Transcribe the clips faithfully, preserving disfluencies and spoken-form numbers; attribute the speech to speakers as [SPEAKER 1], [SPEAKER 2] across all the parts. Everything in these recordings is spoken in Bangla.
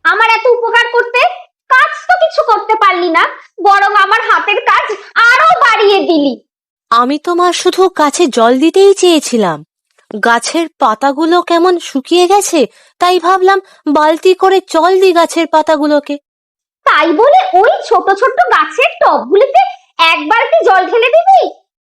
[SPEAKER 1] আমার এত উপকার করতে? কাজ তো কিছু করতে পারলি না, বরং আমার হাতের কাজ আরো বাড়িয়ে দিলি।
[SPEAKER 2] আমি তোমার শুধু গাছে জল দিতেই চেয়েছিলাম। গাছের পাতাগুলো কেমন শুকিয়ে গেছে, তাই ভাবলাম বালতি করে জল দিই গাছের পাতাগুলোকে।
[SPEAKER 1] তাই বলে ওই ছোট ছোট গাছের টবগুলিতে এক বালতি জল ঢেলে দিবি?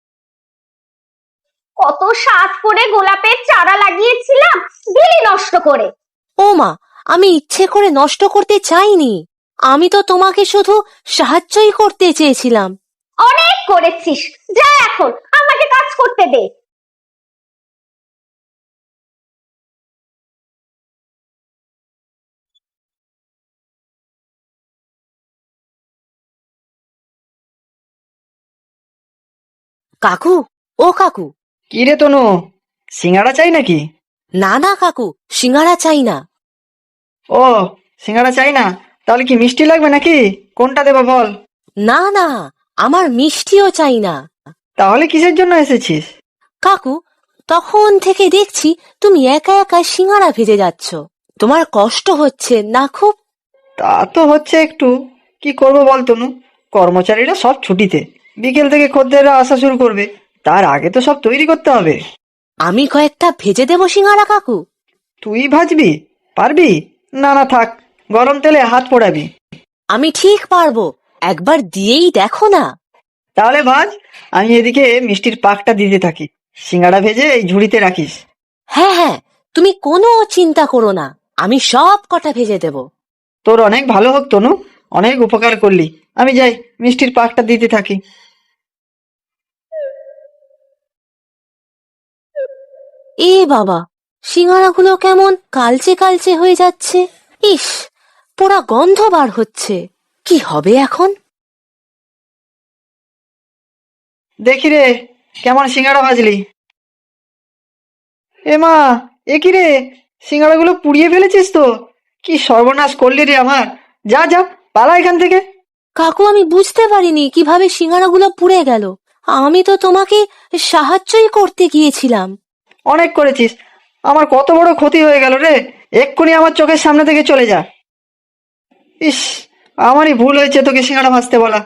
[SPEAKER 1] কত সাত করে গোলাপের চারা লাগিয়েছিলাম, দিলি নষ্ট করে।
[SPEAKER 2] ও মা, আমি ইচ্ছে করে নষ্ট করতে চাইনি। আমি তো তোমাকে শুধু সাহায্যই করতে চেয়েছিলাম।
[SPEAKER 1] অনেক করেছিস, যা এখন আমাকে কাজ করতে দে।
[SPEAKER 2] কাকু, ও কাকু।
[SPEAKER 3] কি রে তনু, সিঙ্গাড়া চাই নাকি?
[SPEAKER 2] না না কাকু, সিঙ্গারা চাই না।
[SPEAKER 3] ও, সিঙ্গাড়া চাই না? তাহলে কি মিষ্টি লাগবে নাকি? কোনটা দেবো বল?
[SPEAKER 2] না না, আমার মিষ্টিও চাই না।
[SPEAKER 3] তাহলে কিসের জন্য এসেছিস?
[SPEAKER 2] কাকু, তখন থেকে দেখছি তুমি একা একা সিঙ্গারা ভেজে যাচ্ছ। তোমার কষ্ট হচ্ছে না খুব?
[SPEAKER 3] তা তো হচ্ছে একটু। কি করব বল তনু, কর্মচারীরা সব ছুটিতে, বিকেল থেকে খদ্দেররা আসা শুরু করবে, তার আগে তো সব তৈরি করতে হবে।
[SPEAKER 2] আমি কয়েকটা ভেজে দেবো সিঙ্গারা কাকু।
[SPEAKER 3] তুই ভাজবি? পারবি? না না থাক, গরম তেলে হাত পোড়াবি।
[SPEAKER 2] আমি ঠিক পারবো, একবার দিয়েই দেখো না।
[SPEAKER 3] তাহলে ভাজ, আমি এদিকে মিষ্টির পাকটা দিতে থাকি। সিঙ্গাড়া ভেজে এই ঝুড়িতে রাখিস।
[SPEAKER 2] হ্যাঁ হ্যাঁ, তুমি কোনো চিন্তা করো না, আমি সব কটা ভেজে দেব।
[SPEAKER 3] তোর অনেক ভালো হোক তনু, অনেক উপকার করলি। আমি যাই, মিষ্টির পাকটা দিতে থাকি।
[SPEAKER 2] এ বাবা, সিঙ্গারাগুলো কেমন কালচে কালচে হয়ে যাচ্ছে। ইস, পোড়া গন্ধ বার হচ্ছে। কি হবে এখন?
[SPEAKER 3] দেখি রে, কেমন সিঙ্গাড়া ভাজলি? এ মা, এ কি রে, সিঙ্গাড়াগুলো পুড়িয়ে ফেলেছিস তো? কি সর্বনাশ করলি রে আমার! যা যা, পালা এখান থেকে।
[SPEAKER 2] কাকু, আমি বুঝতে পারিনি কিভাবে সিঙ্গারাগুলো পুড়ে গেল। আমি তো তোমাকে সাহায্যই করতে গিয়েছিলাম।
[SPEAKER 3] অনেক করেছিস, আমার কত বড় ক্ষতি হয়ে গেল রে। এক্ষুনি আমার চোখের সামনে থেকে চলে যা। ইস, আমারই ভুল হয়েছে তোকে সিঙ্গাড়া ভাজতে বলা।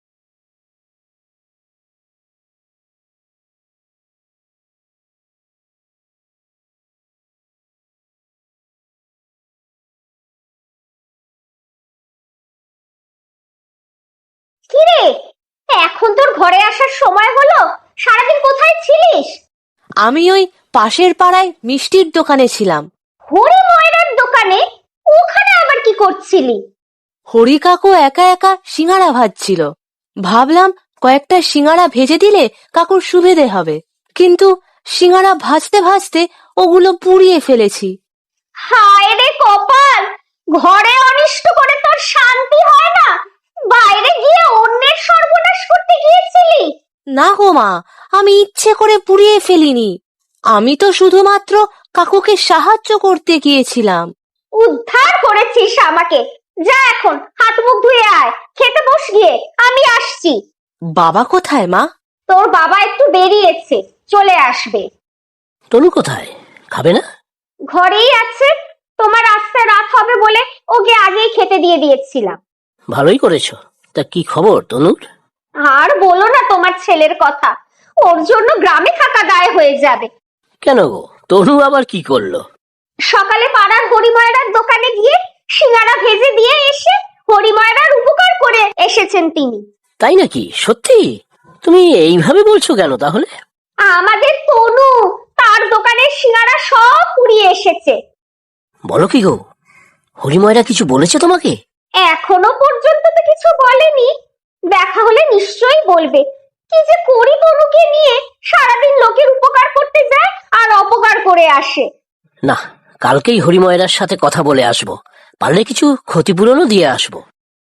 [SPEAKER 1] কি রে, এখন তোর ঘরে আসার সময় হলো? সারাদিন কোথায় ছিলিস?
[SPEAKER 2] আমি ওই পাশের পাড়ায় মিষ্টির দোকানে ছিলাম।
[SPEAKER 1] হরি ময়রার দোকানে? ওখানে আবার কি করছিলি?
[SPEAKER 2] হরি কাকু একা একা সিঙ্গারা ভাজছিল। ভাবলাম কয়েকটা সিঙ্গারা ভেজে দিলে কাকুর সুবিধে হবে, কিন্তু সিঙ্গারা ভাজতে ভাজতে ওগুলো পুড়িয়ে ফেলেছি।
[SPEAKER 1] হায় রে কপাল, ঘরে অনিষ্ট করে তোর শান্তি হয় না? বাইরে গিয়ে অন্যের সর্বনাশ করতে গিয়েছিলি?
[SPEAKER 2] না গো মা, আমি ইচ্ছে করে পুড়িয়ে ফেলিনি। আমি তো শুধুমাত্র কাকুকে সাহায্য করতে গিয়েছিলাম।
[SPEAKER 1] উদ্ধার করেছিস আমাকে। যা এখন হাত মুখ ধুয়ে আয়, খেতে বস গিয়ে, আমি আসছি।
[SPEAKER 2] বাবা কোথায় মা?
[SPEAKER 1] তোর বাবা একটু বেরিয়েছে, চলে আসবে।
[SPEAKER 4] তনু কোথায়? খাবে না?
[SPEAKER 1] ঘরেই আছে, তোমার আসতে রাত হবে বলে ওকে আগেই খেতে দিয়ে দিয়েছিলাম।
[SPEAKER 4] ভালোই করেছো। তা কি খবর তনুর?
[SPEAKER 1] আর বলো না তোমার ছেলের কথা, ওর জন্য গ্রামে থাকা দায় হয়ে যাবে।
[SPEAKER 4] কেন গো, তনু আবার কি করলো?
[SPEAKER 1] সকালে পাড়ার হরিময়রার দোকানে গিয়ে সিঙ্গারা ভেজে দিয়ে এসে হরিময়রার উপকার করে এসেছেন তিনি।
[SPEAKER 4] তাই নাকি? সত্যি? তুমি এইভাবে বলছো কেন তাহলে?
[SPEAKER 1] আমাদের তনু তার দোকানের সিঙ্গারা সব পুড়িয়ে এসেছে।
[SPEAKER 4] বলো কি গো, হরিময়রা কিছু বলেছে তোমাকে?
[SPEAKER 1] এখনো পর্যন্ত তো কিছু বলেনি, দেখা হলে নিশ্চয়ই বলবে। কি যে করি তনুকে নিয়ে, সারাদিন লোকের উপকার করতে যায় আর অপকার করে আসে।
[SPEAKER 4] না, কালকেই হরিময়রার সাথে কথা বলে আসবো, পারলে কিছু ক্ষতিপূরণও দিয়ে আসবো।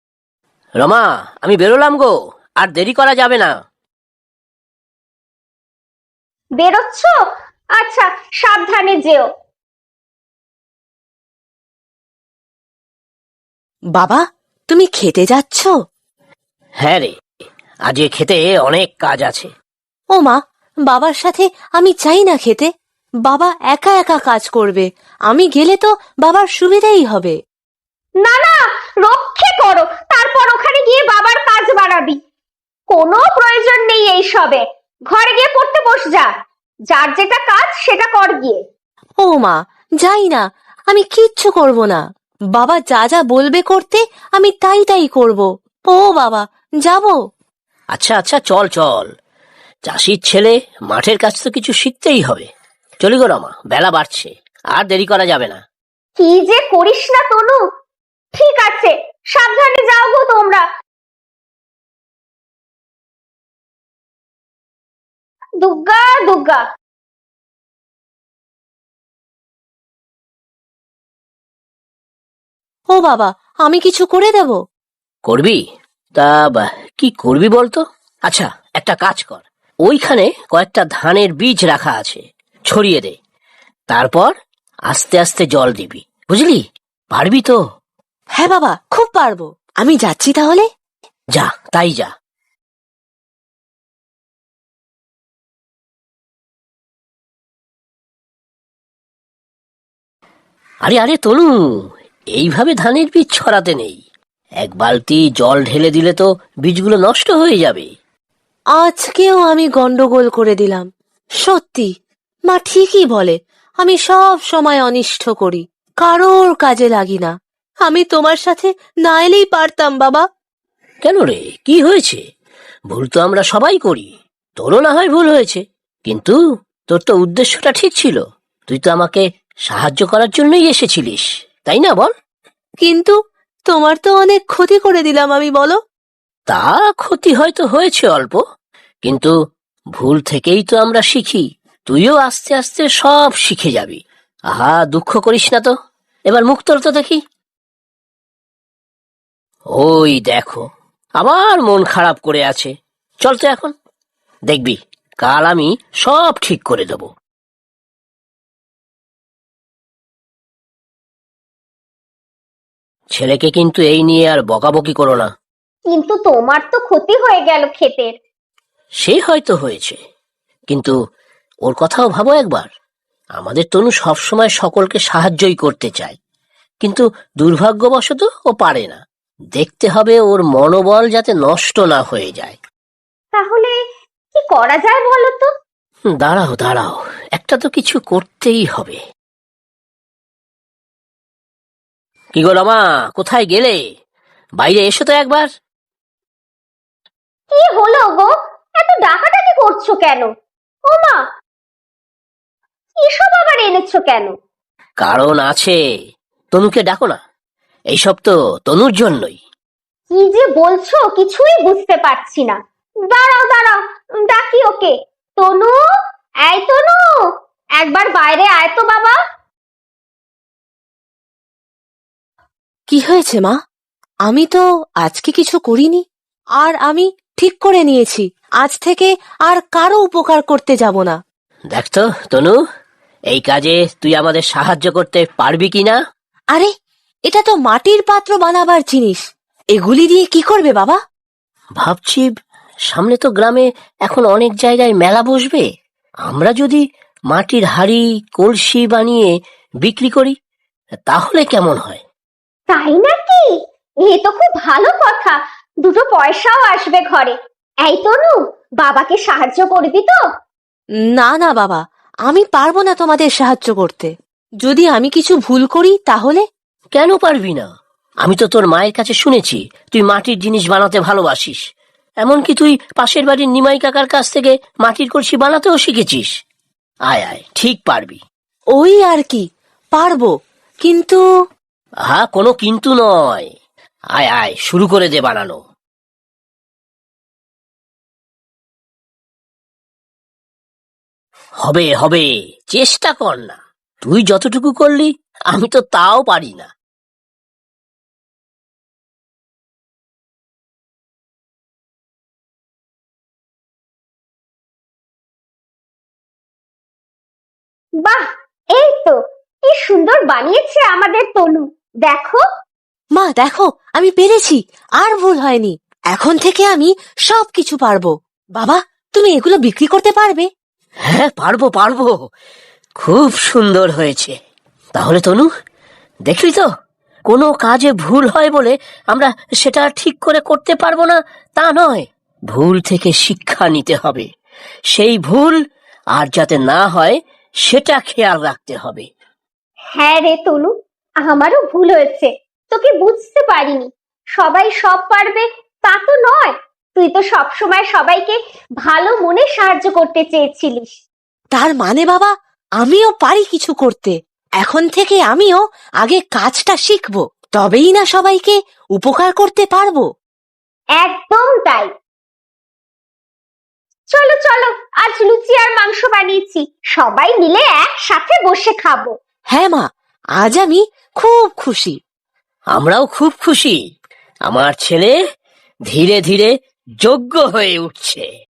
[SPEAKER 4] রমা, আমি বেরোলাম গো, আর দেরি করা যাবে না।
[SPEAKER 1] বেরোচ্ছ? আচ্ছা, সাবধানে যেও।
[SPEAKER 2] বাবা, তুমি খেতে যাচ্ছ?
[SPEAKER 4] হ্যাঁ রে, আজকে খেতে অনেক কাজ আছে।
[SPEAKER 2] ও মা, বাবার সাথে আমি চাই না খেতে। বাবা একা একা কাজ করবে, আমি গেলে তো বাবার সুবিধেই হবে।
[SPEAKER 1] না না, রক্ষে করো, তারপর ওখানে গিয়ে বাবার কাজ বাড়াবি। কোনো প্রয়োজন নেই এইসবে, ঘরে গিয়ে পড়তে বস যা। যার যেটা কাজ সেটা কর গিয়ে।
[SPEAKER 2] ও মা, যাই না, আমি কিচ্ছু করব না। বাবা যা যা বলবে করতে আমি তাই তাই করব। ও বাবা, যাব।
[SPEAKER 4] আচ্ছা আচ্ছা, চল চল, চাষির ছেলে, মাঠের কাজ তো কিছু শিখতেই হবে। চলি গো রমা, বেলা বাড়ছে, আর দেরি করা যাবে না।
[SPEAKER 1] কি যে করিস না তনু। ঠিক আছে, সাবধানে যাও গো তোমরা। দুগ্গা দুগ্গা।
[SPEAKER 2] ও বাবা, আমি কিছু করে দেব?
[SPEAKER 4] করবি? তা বা, কি করবি বলতো? আচ্ছা, একটা কাজ কর, ওইখানে কয়েকটা ধানের বীজ রাখা আছে, ছড়িয়ে দে। তারপর আস্তে আস্তে জল দিবি, বুঝলি? পারবি তো?
[SPEAKER 2] হ্যাঁ বাবা, খুব পারবো। আমি যাচ্ছি তাহলে।
[SPEAKER 4] যা, তাই যা। আরে আরে তনু, এইভাবে ধানের বীজ ছড়াতে নেই। এক বালতি জল ঢেলে দিলে তো বীজগুলো নষ্ট হয়ে যাবে।
[SPEAKER 2] আজকেও আমি গন্ডগোল করে দিলাম। সত্যি, মা ঠিকই বলে, আমি সব সময় অনিষ্ট করি, কারোর কাজে লাগি না। আমি তোমার সাথে না এলেই পারতাম বাবা।
[SPEAKER 4] কেন রে, কি হয়েছে? ভুল তো আমরা সবাই করি, তোরও না হয় ভুল হয়েছে, কিন্তু তোর তো উদ্দেশ্যটা ঠিক ছিল। তুই তো আমাকে সাহায্য করার জন্যই এসেছিলিস, তাই না বল?
[SPEAKER 2] কিন্তু তোমার তো অনেক ক্ষতি করে দিলাম আমি, বলো।
[SPEAKER 4] তা ক্ষতি হয়তো হয়েছে অল্প, কিন্তু ভুল থেকেই তো আমরা শিখি। তুইও আস্তে আস্তে সব শিখে যাবি। আহা, দুঃখ করিস না তো, এবার মুখ তোল তো দেখি। ওই দেখো, আবার মন খারাপ করে আছে। চল তো এখন, দেখবি কাল আমি সব ঠিক করে দেব। ছেলেকে কিন্তু এই নিয়ে আর বকাবকি করো না।
[SPEAKER 1] কিন্তু তোমার তো ক্ষতি হয়ে গেল ক্ষেতের।
[SPEAKER 4] সে হয়তো হয়েছে, কিন্তু ওর কথাও ভাবো একবার। আমাদের তনু সবসময় সকলকে সাহায্যই করতে চায়, কিন্তু দুর্ভাগ্যবশত ও পারে না। দেখতে হবে ওর মনোবল যাতে নষ্ট না হয়ে যায়।
[SPEAKER 1] তাহলে কি করা যায় বলো তো?
[SPEAKER 4] দাঁড়াও দাঁড়াও, একটা তো কিছু করতেই হবে। কি গো রমা, কোথায় গেলে? বাইরে এসো তো একবার।
[SPEAKER 1] কি হলো গো, এত ডাকাডাকি করছো কেন? ও মা, এসব আবার এনেছো কেন?
[SPEAKER 4] কারণ আছে, তনুকে ডাকো না। এইসব তো তনুর জন্যই।
[SPEAKER 1] কি যে বলছো কিছুই বুঝতে পারছি না। দাঁড়াও দাঁড়াও, ডাকি ওকে। তনু, এই তনু, একবার বাইরে আয় তো বাবা।
[SPEAKER 2] কি হয়েছে মা? আমি তো আজকে কিছু করিনি, আর আমি ঠিক করে নিয়েছি আজ থেকে আর কারো উপকার করতে যাব না।
[SPEAKER 4] দেখ তো তনু, এই কাজে তুই আমাদের সাহায্য করতে পারবি কিনা?
[SPEAKER 2] আরে, এটা তো মাটির পাত্র বানাবার জিনিস, এগুলি দিয়ে কি করবে বাবা?
[SPEAKER 4] ভাবছি, সামনে তো গ্রামে এখন অনেক জায়গায় মেলা বসবে। আমরা যদি মাটির হাড়ি, কলসি বানিয়ে বিক্রি করি, তাহলে কেমন হয়?
[SPEAKER 1] তাই নাকি? এ তো খুব ভালো কথা, দুটো পয়সাও আসবে ঘরে। এই তনু, বাবাকে সাহায্য করবি তো?
[SPEAKER 2] না না বাবা, আমি পারবো না তোমাদের সাহায্য করতে। যদি আমি কিছু ভুল করি তাহলে?
[SPEAKER 4] কেন পারবি না? আমি তো তোর মায়ের কাছে শুনেছি তুই মাটির জিনিস বানাতে ভালোবাসিস। এমনকি তুই পাশের বাড়ির নিমাই কাকার কাছ থেকে মাটির কলসি বানাতেও শিখেছিস। আয় আয়, ঠিক পারবি।
[SPEAKER 2] ওই আর কি, পারবো, কিন্তু
[SPEAKER 4] হ্যাঁ, কোনো কিন্তু নয়। আয় আয়, শুরু করে দে বানানো। হবে হবে, চেষ্টা কর না। তুই যতটুকু করলি আমি তো তাও পারি না।
[SPEAKER 1] বাহ, এই তো, কি সুন্দর বানিয়েছে আমাদের তনু, দেখো।
[SPEAKER 2] মা দেখো, আমি পেরেছি, আর ভুল হয়নি। এখন থেকে আমি সব কিছু পারবো। বাবা, তুমি এগুলো বিক্রি করতে পারবে?
[SPEAKER 4] হ্যাঁ, পারবো পারবো, খুব সুন্দর হয়েছে। তাহলে তনু, দেখলি তো, কোনো কাজে ভুল হয় বলে আমরা সেটা ঠিক করে করতে পারবো না তা নয়। ভুল থেকে শিক্ষা নিতে হবে, সেই ভুল আর যাতে না হয় সেটা খেয়াল রাখতে হবে।
[SPEAKER 1] হ্যাঁ রে তনু, আমারও ভুল হয়েছে, তোকে বুঝতে পারিনি। সবাই সব পারবে তা তো নয়, তুই তো সব সময় সবাইকে ভালো মনে সাহায্য করতে চেয়েছিলিস।
[SPEAKER 2] তার মানে বাবা, আমিও পারি কিছু করতে। এখন থেকে আমিও আগে কাজটা শিখবো, তবেই না সবাইকে উপকার করতে পারবো।
[SPEAKER 1] একদম তাই। চলো চলো, আজ লুচি আর মাংস বানিয়েছি, সবাই মিলে একসাথে বসে খাবো।
[SPEAKER 2] হ্যাঁ মা, আজ আমি খুব খুশি।
[SPEAKER 4] আমরাও খুব খুশি। আমার ছেলে ধীরে ধীরে যোগ্য হয়ে উঠছে।